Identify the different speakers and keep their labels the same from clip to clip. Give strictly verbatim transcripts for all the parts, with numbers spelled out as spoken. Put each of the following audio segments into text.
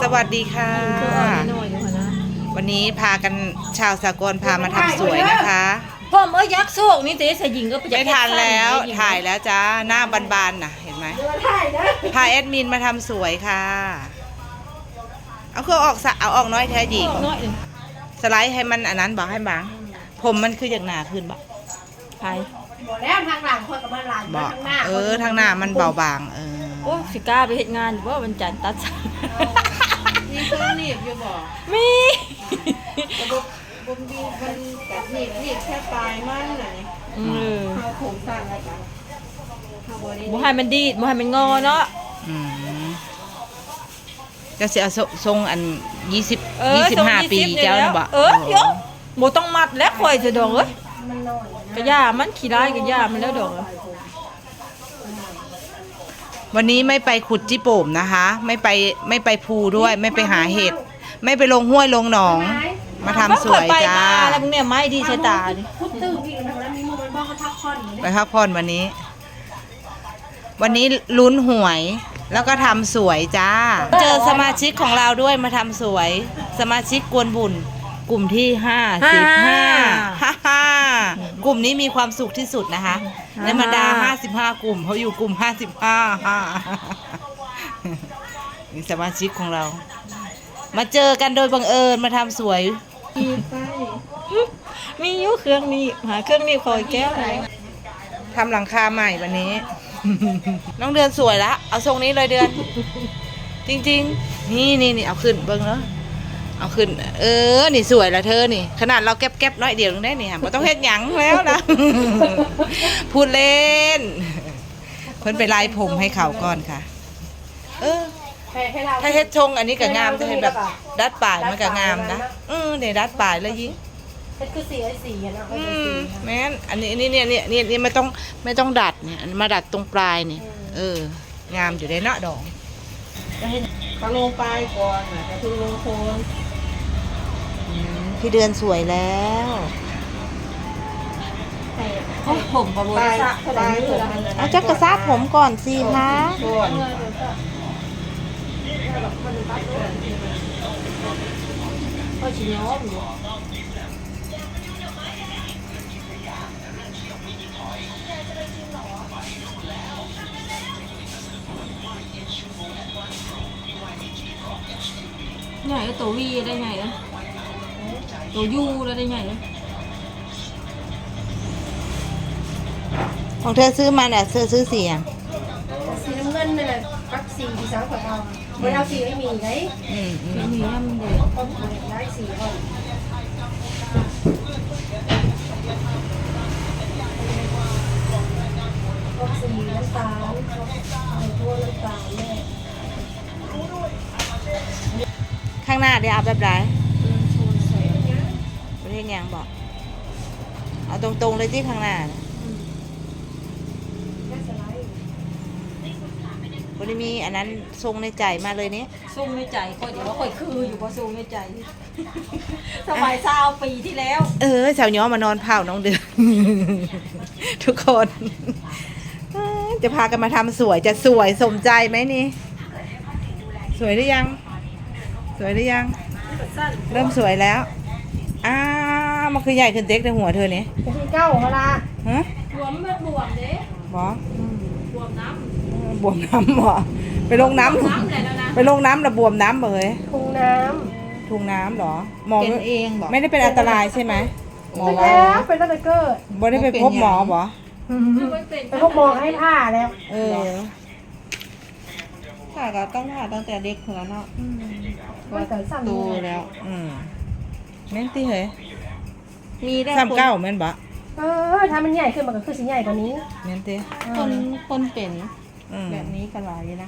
Speaker 1: วัสดีค่ะวันนี้พากันชาวสากลพามาทำสวยนะคะ
Speaker 2: พ่อเมื่อยักษ์โศกนี่เต๋สยิงก็ไป
Speaker 1: ไม่ทันแล้วถ่ายแล้วจ้าหน้าบานๆน่ะเห็นไหมพาแอดมินมาทำสวยค่ะเอาเครื่องออกเอาออกน้อยแท้หญิงสไลด์ให้มันอันนั้นบอกให้บางผมมันคืออย่างหนาขึ้นบอก
Speaker 2: ใช่
Speaker 3: บอกแล้วทางหลังคนกับมันหลัง
Speaker 1: บอกเออทางหน้ามันเบาบางเออ
Speaker 2: โอ้สิก้าไปเฮ็ดงานอยู่ว่าวันจันทร์ตัดสาย
Speaker 3: มีเครื่องหนีบอยู่บอก
Speaker 2: มี
Speaker 3: ระบบบุมดีมันแบบหนีบหนีบแค่ปลายมันไหนเออเขาโถงสั่นอะไรกัน
Speaker 2: บ่ให้มันดีดบ่ให้มันงอเนาะ
Speaker 1: จะเสียทรงอันยี่สิบยี่สิบห้าปีเจ้าบ่
Speaker 2: เออเยอะบ่ต้องมัดแล้วข่อยจะดอกเอ้ยกระยามันขี้ร้ายกระยามันแล้วดอก
Speaker 1: วันนี้ไม่ไปขุดจิโป่มนะคะไม่ไปไม่ไปภูด้วยไม่ไปหาเห็ดไม่ไปลงห้วยลงหนองมาทำสวยจ้า
Speaker 2: แล้วมึงเนี่ยไม้ดีใช้ตาดิ
Speaker 3: พุดตื้อพี่แล้วมีมือมันบ้องก็พักผ่อน
Speaker 1: ไปพักผ่อนวันนี้วันนี้ลุ้นหวยแล้วก็ทำสวยจ้าเจอสมาชิกของเราด้วยมาทำสวยสมาชิกกวนบุญกลุ่มที่ห้าสิบห้าฮ่าฮ่ากลุ่มนี้มีความสุขที่สุดนะคะในบรรดาห้าสิบห้ากลุ่มเขาอยู่กลุ่มห้าสิบห้าฮ่านี่สมาชิกของเรามาเจอกันโดยบังเอิญมาทำสวย
Speaker 2: มีอยู่เครื่องนี้หาเครื่องนี้คอยแก้ว
Speaker 1: ทำหลังคาใหม่วันนี้น้องเดือนสวยละเอาทรงนี้เลยเดือนจริงๆนี่นี่นี่เอาขึ้นเบิ้งเนาะเอาขึ้นเออนี่สวยละเธอนี่ขนาดเราแก๊บๆน้อยเดียวนึงได้นี่ค่ะไม่ต้องเฮ็ดหยังแล้วนะพูดเล่นเพิ่นไปไล่ผมให้เขาก่อนค่ะเออถ้าเฮ็ดชงอันนี้ก็งามถ้าเฮ็ดแบบดัดปลายมันก็งามนะเออเนี่ยดัดปลายแล้วยิง
Speaker 3: เป็นคือสีไอ้สีนะ
Speaker 1: อืมแม่นอันนี้นี่เนี่ยเนี่ยเนี่ยนี่ไม่ต้องไม่ต้องดัดเนี่ยมาดัดตรงปลายนี่เอองามอยู่ได้เนาะดอก
Speaker 3: เขาลงปลายก่อนนะกระทุงลงโคน
Speaker 1: พี่เดือนสวยแล้ว
Speaker 2: ผมกับโบราณ
Speaker 1: เอาจักกระซับผมก่อนสิคะ
Speaker 3: ก็ชิ้นย้อมอยู่
Speaker 2: ใหญ่ตัววีได้ไงอ่ะตัวยูได้ไงอ่ะ
Speaker 1: ของเธอซื้อมาเนี่ยเธอซื้อสีอ่ะ
Speaker 3: สีน้ำเงินนี่แหละปักสีที่สาวของเราไม่เอาสีไม่มีไง
Speaker 1: อืมอืม
Speaker 2: มีน้ำเด็ก
Speaker 3: ต้องย้ายสีก่อนปักสีน้ำตาลเอาทั่วน้ำตาลเนี่ย
Speaker 1: ข้างหน้าเดี๋ยวอาบแบบไหนประเทศยังบอกเอาตรงๆเลยที่ข้างหน้าวันนี้มีอันนั้นทรงในใจมาเลยนี้
Speaker 2: ทรงในใจก็เดี๋ยวว่าค่อยคืออยู่เพราะทรงในใจสมัยเศร้าปีที่แล้ว
Speaker 1: เออสาวย้อมานอนเผาน้องเดือนทุกคนจะพากันมาทำสวยจะสวยสมใจไหมนี่สวยหรือยังสวยหรือยังเริ่มสวยแล้วอ้ามันคือใหญ่ขึ้นเต็กในหัวเธอเนี่ย
Speaker 3: เป็นเก้าเวลา
Speaker 1: ฮะ
Speaker 2: บวมมันบวมเด้
Speaker 1: บ
Speaker 2: อบวมน้ำ
Speaker 1: บวมน้ำบ่ไปลงน้ำไปลงน้ำระบวมน้ำเลย
Speaker 3: ทุ่งน้
Speaker 1: ำทุ่งน้ำหรอหมอ
Speaker 2: เป็นเองบอก
Speaker 1: ไม่ได้เป็นอันตรายใช่ไหม
Speaker 3: หมอแล้วเป็นตั้งแต่เกิด
Speaker 1: บ่ได้ไปพบหมอบ่
Speaker 3: ไปพบหมอให้ผ่าแล้ว
Speaker 1: เออ
Speaker 2: ผ่าก็ต้องผ่าตั้งแต่เด็กแล้วเนาะ
Speaker 3: ว่าแต่สั่น
Speaker 1: ตูแล้วอืมแม่นตีเหรอ
Speaker 2: มีได้
Speaker 1: ซ้ำเก้าแม่นบ่
Speaker 3: เออถ้ามันใหญ่ขึ้นมันก็คือสีใหญ่กว่านี้
Speaker 1: แม่นตี
Speaker 2: คนคนเป็นแบบนี้กันหลายนะ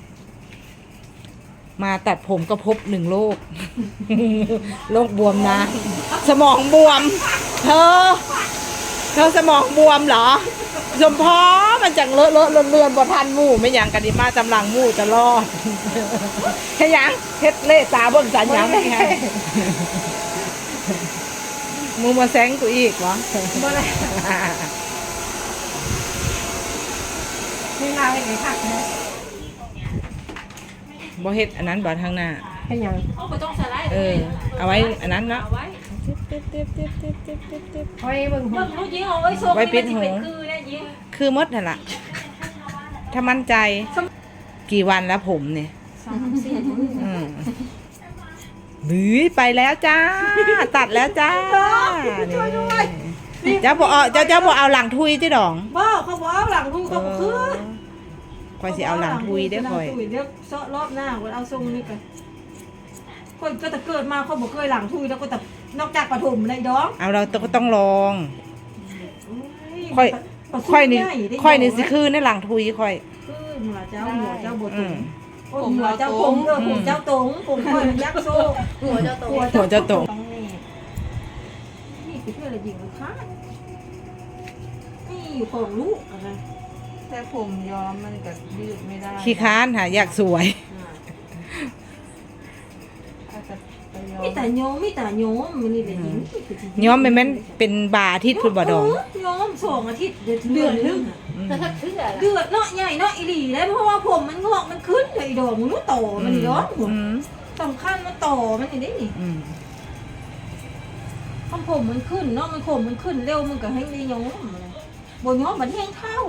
Speaker 1: มาตัดผมก็พบหนึ่งโรคโรคบวมนะสมองบวมเธอเธอสมองบวมเหรอสมพอมันจังเลอะเลอะเลือนบ่ทันหมู่ไม่หยังกันดีมาจำลังหมู่จะรอดแค่ยังเฮ็ดเล่ตาเบิ่งสัญญาณได้ไงมึงมาแซงกูอีกวะ
Speaker 3: บ่ได้นี่ลาวเฮ็ดไงคักนะ
Speaker 1: บ่เฮ็ดอันนั้นบ่ทางหน้า
Speaker 3: ให้ยัง
Speaker 2: เอาไปต้องสไลด์
Speaker 1: เออ เอาไว้อันนั้นเนาะ
Speaker 2: เอาไว้
Speaker 3: ไว้เบิ่งหู
Speaker 2: เบิ่งรู้ยิงเอาไว้ส่ง
Speaker 1: ไว้ปิดหู
Speaker 2: นี่มันสิเป็นคือได้ยิง
Speaker 1: คือมดนั่นล่ะ ถ้ามั่นใจ กี่วันแล้วผมเนี่ย
Speaker 2: สามสี่มื้อ
Speaker 1: อืมหรือไปแล้วจ้า ตัดแล้วจ้านี่เจ้าบอกเอาเจ้าเจ้าบอกเอาหลังทุยที่ดอง
Speaker 2: บ่เขาบอกเอาหลังทุยเขาบ่คือ
Speaker 1: คอยสิเอาหลังทุยได้อคอย
Speaker 2: หลังทุเดี๋ยวเซาะรอบหน้าว่าเอาทรงนี้กันคนก็แต่เกิดมาเขาบ่เคยหลังทุยแล้วก็แต่นอกจากปฐมเลยดอง
Speaker 1: เอาเราก็ต้องลอง
Speaker 2: โ
Speaker 1: ค่อย
Speaker 2: ประสู
Speaker 1: ค่อยนี่
Speaker 2: ใหญ่ได้
Speaker 1: ค่อยนี่สิ
Speaker 2: ดง
Speaker 1: คือในหลังทุยค่อย
Speaker 2: คือหัวเจ้าหัวเจ้าบ่ต
Speaker 1: อื
Speaker 2: รง
Speaker 1: ม
Speaker 2: โอ้ยหัวเจ้าตรงเออหัวเจ้าตรงผมค่อยมันยักษ์โซ่
Speaker 3: หัวเจ้าโต
Speaker 1: หัวเจ้าตรง
Speaker 2: ต้องแน่นี่คือเพื่อนอะไรยิงลูกค้านี่อยู่ของลูกอะไร
Speaker 3: แต่ผมย้อมมันก็ยืดไม่ได้
Speaker 1: ขี้ค้านค่ะอยากสวย
Speaker 3: อาจจะไปย้อ
Speaker 2: มี
Speaker 3: ม
Speaker 2: แต่โยมมีแต่โยมมันนี่เป็นหญิง
Speaker 1: ย้อมแม่นแม่นเป็นบาอาทิตย์คุณบ่ดอง
Speaker 2: เโยมสองอาทิตย์เดือนเดือนนึง
Speaker 3: แต่ถ้าเชื่อล่ะ
Speaker 2: เดือดเนาะใหญ่เนาะอีหลีแล้วเพราะว่าผมมันงอกมันขึ้นเลยดอกมันรู้โตมันย้อมหัว
Speaker 1: อืม
Speaker 2: สำคัญมันโตมันอย่างนี้นี่
Speaker 1: อืม
Speaker 2: คำผมมันขึ้นเนาะมันผมมันขึ้นเร็วมันก็ให้ได้ย้อมเลยบนย้อมมันแห้งเท่า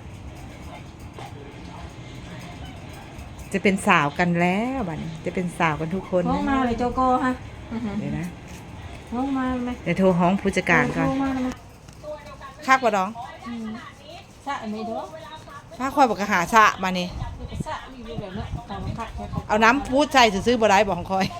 Speaker 1: จะเป็นสาวกันแล้วบัดนี้จะเป็นสาวกันทุกคน
Speaker 2: ห้องมาเลยเจ้าก็ฮะ
Speaker 1: เดี๋ยวนะ
Speaker 2: ห้องมาไหม
Speaker 1: เดี๋ยวโทรห้องผู้จัดการก่อน
Speaker 2: ห้องมาไหม
Speaker 1: คักบ่ดอง
Speaker 2: สะไม่ดอก
Speaker 1: ถ้าคอยบอกกะหาสะมานี่
Speaker 2: สะอยู่แบบนั้นตามคักแค่เขา
Speaker 1: เอาน้ำพูดใส่ซื้อๆบ่ได้บอกของคอย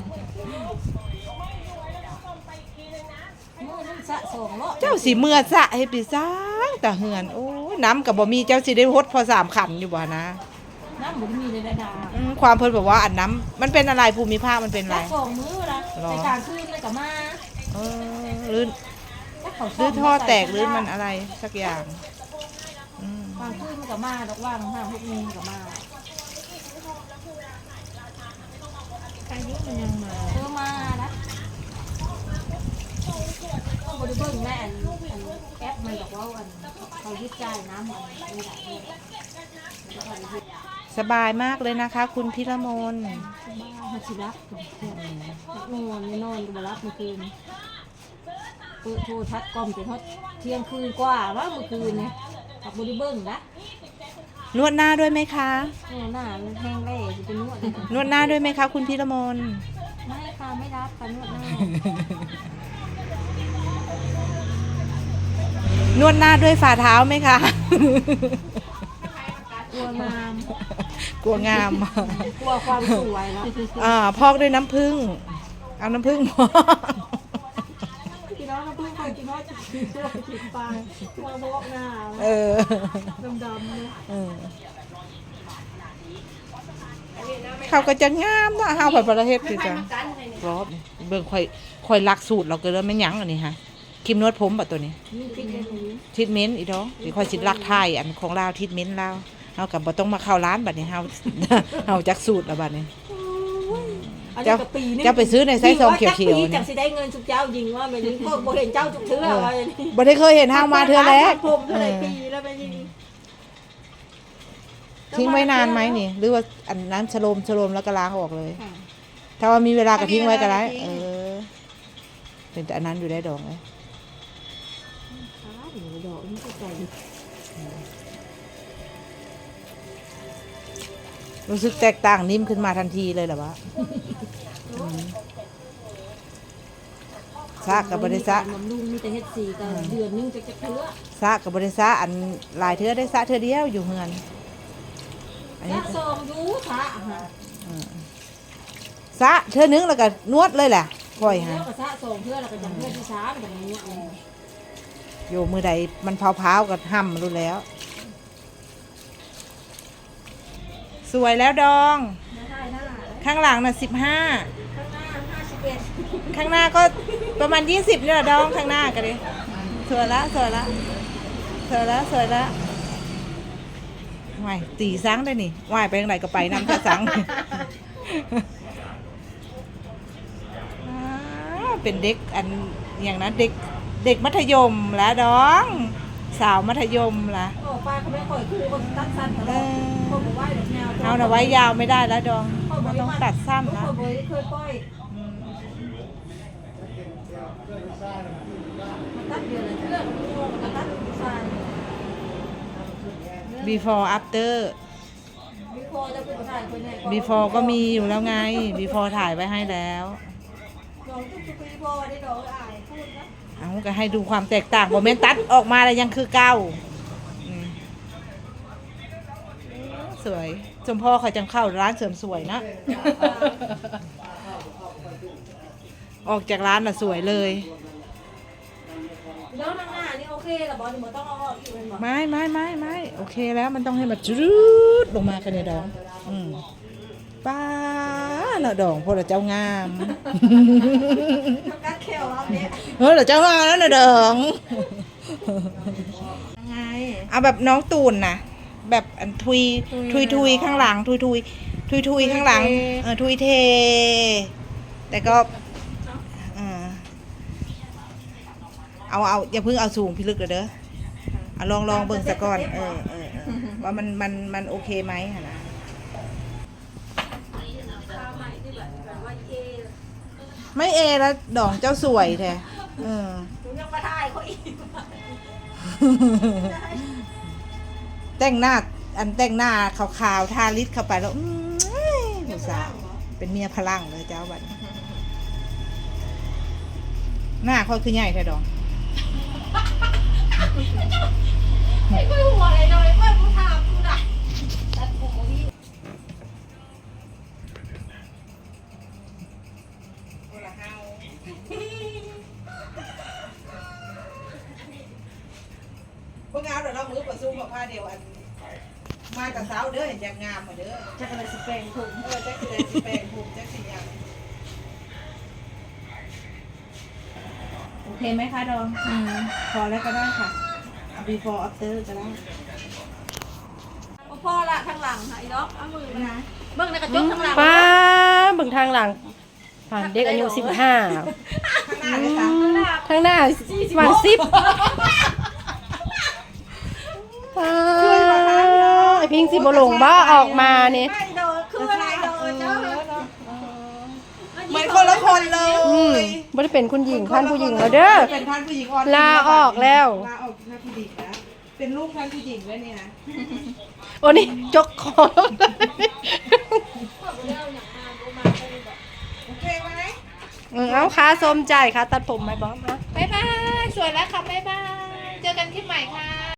Speaker 2: เมื่อนั้นสะสองรอบ
Speaker 1: เจ้าสิเมื่อสะให้ปีสร้างแต่เหือนโอ้ยน้ำกับบ่มีเจ้าสิได้ฮดพอสามขันอยู่บ่นะ
Speaker 2: น้ำบุญมีในระดา
Speaker 1: อืมความเพิ่นบอกว่าอันน้ำมันเป็นอะไรภูมิภาคมันเป็นอะไร
Speaker 2: สะสองมื้อละ
Speaker 1: หรอ
Speaker 2: ในกลางคืนเลยกับมา
Speaker 1: เออหรือ
Speaker 2: ถ้าเขา
Speaker 1: หรือท่อแตกหรือมันอะไรสักอย่างอืม
Speaker 2: กลางคืนมันกับมาดอกว่างห้าหกโมงกับมา
Speaker 3: อายุมันยังมา
Speaker 2: เธอมาละเขาบริเบิ้งแม่อันอันแอปมันบอกว่าอันเขายึดจ่ายน้ำมันไม่ได้เลยแล้วก็ยึด
Speaker 1: สบายมากเลยนะคะ คุณพิรมน
Speaker 2: บ้าฮัชิรักกับเพื่อนนอนไม่นอนก็มารับเมื่อคืนเปิดโทรทัศน์กล่อมจนฮอดเที่ยงคืนกว่าว่าเมื่อคืนเนี่ยกับบริเบิ้งนะ
Speaker 1: นวดหน้าด้วยไหมคะ
Speaker 2: โอ้หน้ามันแห้งแล้จะเป็นนวด
Speaker 1: นวดหน้าด้วยไหมคะคุณพิรมน
Speaker 2: ไม่ค่ะไม่รับค่ะนวดหน้าน
Speaker 1: วดหน้าด้วยฝ่าเท้าไหมคะ
Speaker 2: กลัวงาม
Speaker 1: กลัวงาม
Speaker 2: กลัวความสวยแล้ว
Speaker 1: อ่าพอกด้วยน้ำผึ้งเอาน้ำผึ้งพอก
Speaker 2: กินน้องน้ำผึ้งใครกินน้อยจะกินตัวกินปลาตัวโบกหน้า
Speaker 1: เออ
Speaker 2: ดำๆเลย
Speaker 1: เออเขาก็จะงามนะเฮาไปประเทศคือจังรอบเบิ่งค่อยค่อยรักสูตรเราเกินแล้วไม่ยั้งอันนี้ฮะครีมนวดผมแบบตัวนี้
Speaker 2: นี่กินได้ไหม
Speaker 1: ทิทเมนต์อีดอกเดี๋ยวค่อยสิรักไทยอันของเราทิทเมนต์เราเฮากับบ่ต้องมาเข้าร้านบัดนี้เฮา เฮาจักสูตรแล้วบัดนี้ เจ้าเจ้าไปซื้อในไซส์ซองเขียวๆ
Speaker 2: นี่
Speaker 1: นี่
Speaker 2: จังสิได้เงินทุกเจ้ายิงว่าแบบนี้ก็บ่เห็นเจ้าทุกเทื่อว่าอย่างนี้
Speaker 1: บ่ได้เคยเห็นเฮามาเทื่อแรก
Speaker 2: ผมเท่าไหร่ปีแล้วไปยิง
Speaker 1: ทิ้งไว้นานไหมนี่ หรือว่าอันนั้นชโลมชโลมแล้วก็ล้างออกเลย ถ้าว่ามีเวลาก็ทิ้งไว้ก็ได้เออเป็นแต่อันนั้นอยู่ได้ดอกเลย
Speaker 2: ดอกนี่ก็ใจ
Speaker 1: รู้สึกแตกต่างนิ่มขึ้นมาทันทีเลยเหรอวะอืมซากกับบริษัท
Speaker 2: บำรุงมีแต่เฮ็ดสีก็เดือนนึงจะจะเทื่อ
Speaker 1: ซากกับบริษัทอันหลายเทื่อได้ซะเทื่อเดียวอยู่เฮือนอัน
Speaker 2: ถ้า
Speaker 1: นี้
Speaker 2: ซองยูทะฮะ
Speaker 1: ซะเทื่อนึงแล้วก็นวดเลยแหละค่อย
Speaker 2: แล้
Speaker 1: ฮะ
Speaker 2: วก็ซะซองเทื่อแล้วก็จังเทื่อที่สามแบบนี้
Speaker 1: อยู่มือใดมันเผาๆก็ห้ำรู้แล้ว สวยแล้วดอง
Speaker 2: ได้เท่าไหร่
Speaker 1: ข้างหลังน่ะสิบห้า
Speaker 2: ข้างหน้าห้าสิบเอ็ด
Speaker 1: ข้างหน้าก็ประมาณยี่สิบนี่แหละดองข้างหน้ากันเลยสวยละสวยละสวยละสวยละวายตีสังได้นี่วายไปทางไหนก็ไปน้ำแค่สัง อ้าวเป็นเด็กอันอย่างนั้นเด็กเด็กมัธยมแล้วดอง สาวมัธยมละ
Speaker 2: โอ้ป้าเขาไม่ค่อยคู่คนตัดสั้นตล
Speaker 1: เอ
Speaker 2: อด
Speaker 1: อ
Speaker 2: คนบอกว่าเด็กแนว
Speaker 1: เอาหน่ะไว้ยาวไม่ได้แล้วดอง
Speaker 2: ค
Speaker 1: มันต้องตัดสั้นนะ
Speaker 2: เขาบ่ได้เคยปล่อยมันตัดเดือนละเทื่อมันตัดสาย
Speaker 1: before after
Speaker 2: มีพอจะเป็นถ่ายคนไหนก่อน
Speaker 1: before ก็มีอยู่แล้วไง before ถ่ายไว้ให้แล้ว
Speaker 2: น้องทุกๆปีพอได้ดอกอายพูดนะ
Speaker 1: เอาก็ให้ดูความแตกต่างโมเมนตัดออกมาแล้วยังคือเก้าอืมสวยสมพ่อเขาจังเข้าร้านเสริมสวยนะ ออกจากร้านน่ะสวยเลย
Speaker 2: แล้วนางหน้านี่โอเคเหรอบอสหนูต้องเอาออกอีกเป็นบอส
Speaker 1: ไม่ไม่ไม่ไม่โอเคแล้วมันต้องให้มันจุดลงมากันเนี่ยดองอืมป้าเนาะดองพวกเราเจ้างาม
Speaker 2: ทำการแควเอาเนี่ย
Speaker 1: เฮ้ยเราเจ้างามแล้วเนาะดอง
Speaker 3: ยังไง
Speaker 1: เอาแบบน้องตูนนะแบบอันทุยทุยทุยข้างหลังทุยทุยทุยทุยข้างหลังเออทุยเท แต่ก็เออเอาเอาอย่าเพิ่งเอาสูงพิลึกเลยเด้อเอาลองลองเบิ่งซะก่อนเออเออเออว่ามันมันมันโอเคไหมหั่นนะ
Speaker 2: ข้าวใหม่ที่แบบแบบว่าเอ
Speaker 1: ไม่เอแล้วดองเจ้าสวยแท้เออ
Speaker 2: หนูยังมาถ่ายเขาอีก
Speaker 1: แต่งหน้าอันแต่งหน้าขาวๆทาลิปเข้าไปแล้วอื้อผู้สาวเป็นเมียพลังเลยเจ้าบัดนี้หน้าค่อยคือใหญ่แท้ดอง
Speaker 2: ไอ้กุ้ยหัวอะไรเลยเพื่อนกูถามกูน่ะตัดผมพี่
Speaker 1: พวกงามเดี๋ยวเรามือประซุ่มกับผ้าเดียวอันมากับสาวเด้อเห็นจากงามมาเด้อ
Speaker 2: จะกระสเปนถุง
Speaker 1: เออแจ็คสีแปลงภูมิแจ็คสีอย่างโอเคไหมคะดองอืมพอแล้วก็ได้ค่ะ before after ก็ได้
Speaker 2: พ่อละทางหลังค่ะไอ้ดอกเอามือนะเบิ่งในกระจกทางหลัง
Speaker 4: ป้าเบิ่งทางหลังผ่านเด็กอายุสิบห้า
Speaker 1: ข้างหน้าเลยค่ะ
Speaker 4: ทางหน้าวันสิบไอพิงสิบหลงบ้าออกมาเนี่ย
Speaker 2: ไอ้โดนคืออะไรโดนเจ้า
Speaker 1: เหมือนคนละคนเล
Speaker 4: อืม
Speaker 1: ย
Speaker 4: ไม่ได้เป็นคุณหญิงท่านผู้หญิงแล้วเด้อ
Speaker 1: เป็นท่านผู้หญิงอ่อน
Speaker 4: ลาออกแล้ว
Speaker 1: ลาออกท่านผู้หญิงนะเป็นลูกท่านผู้หญิงแล้วเนี่ยนะ
Speaker 4: โอ้นี่จกคอ
Speaker 1: โอเคไหม
Speaker 4: เออเอาค้าสมใจค่ะตัดผมไหมบอส
Speaker 1: บ๊ายบายสวยแล้วค่ะบ๊ายบายเจอกันคลิปใหม่ค่ะ